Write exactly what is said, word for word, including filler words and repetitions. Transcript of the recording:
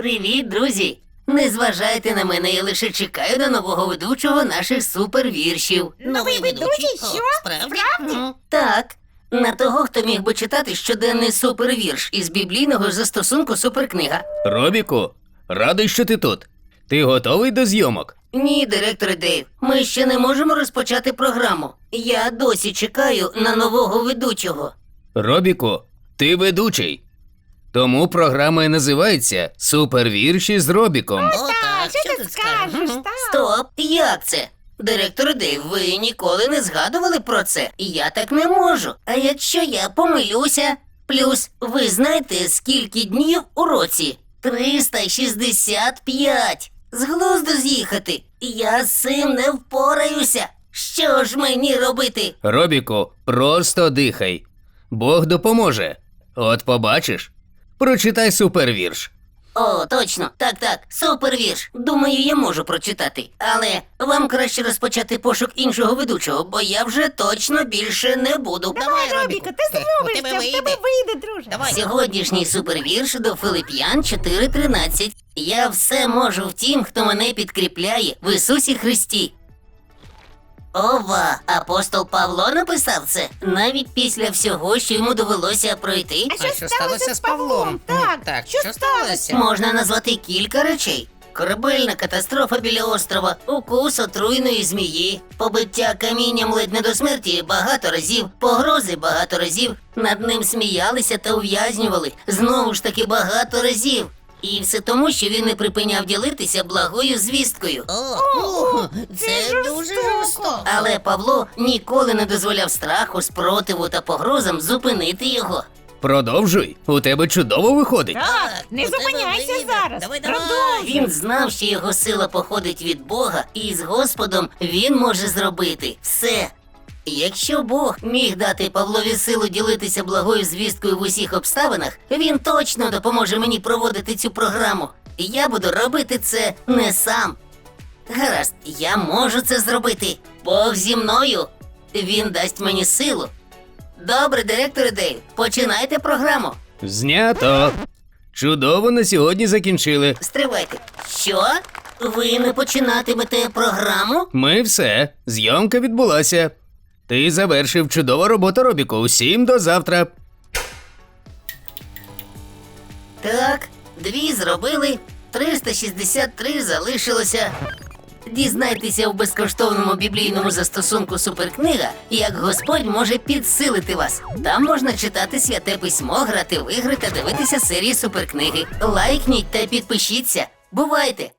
Привіт, друзі! Не зважайте на мене, я лише чекаю на нового ведучого наших супервіршів. Новий ведучий? О, Що? справді? Справді? Мгм. Так, на того, хто міг би читати щоденний супервірш із біблійного застосунку суперкнига. Робіку, радий, що ти тут. Ти готовий до зйомок? Ні, директоре Дейв, ми ще не можемо розпочати програму. Я досі чекаю на нового ведучого. Робіку, ти ведучий. Тому програма і називається «Супервірші з Робіком». О, Так, так, що ти скажеш? Мгм. Так. Стоп, як це? Директор Дейв, ви ніколи не згадували про це. Я так не можу. А якщо я помилюся? Плюс, ви знаєте, скільки днів у році? триста шістдесят п'ять. З глузду з'їхати. Я з цим не впораюся. Що ж мені робити? Робіку, просто дихай. Бог допоможе. От побачиш. Прочитай супервірш. О, точно, так, так, супервірш. Думаю, я можу прочитати. Але вам краще розпочати пошук іншого ведучого, бо я вже точно більше не буду. Давай, Робіку. Робіку, ти Е, у зробишся, тебе в тебе вийде. вийде, друже. Давай. Сьогоднішній супервірш до Филип'ян чотири тринадцять. Я все можу в тім, хто мене підкріпляє в Ісусі Христі. Ова, апостол Павло написав це навіть після всього, що йому довелося пройти. А що сталося з Павлом? Так, Так, що що сталося? сталося? Можна назвати кілька речей. Корабельна катастрофа біля острова, укус отруйної змії, побиття камінням ледь не до смерті багато разів, погрози багато разів, над ним сміялися та ув'язнювали знову ж таки багато разів. І все тому, що він не припиняв ділитися благою звісткою. О, о, це це дуже жорстоко. жорстоко. Але Павло ніколи не дозволяв страху, спротиву та погрозам зупинити його. Продовжуй, у тебе чудово виходить. Так, не у тебе зупиняйся вийде. зараз. Давай, давай. Продовжуй. Він знав, що його сила походить від Бога, і з Господом він може зробити все. Якщо Бог міг дати Павлові силу ділитися благою звісткою в усіх обставинах, він точно допоможе мені проводити цю програму. Я буду робити це не сам. Гаразд, я можу це зробити. Бог зі мною. Він дасть мені силу. Добре, директоре Дейв, починайте програму. Знято. Чудово на сьогодні закінчили. Стривайте. Що? Ви не починатимете програму? Ми все. Зйомка відбулася. Ти завершив чудова робота, Робіку. Усім до завтра. Так, дві зробили, триста шістдесят три залишилося. Дізнайтеся у безкоштовному біблійному застосунку Суперкнига, як Господь може підсилити вас. Там можна читати святе письмо, грати в ігри та дивитися серії Суперкниги. Лайкніть та підпишіться. Бувайте!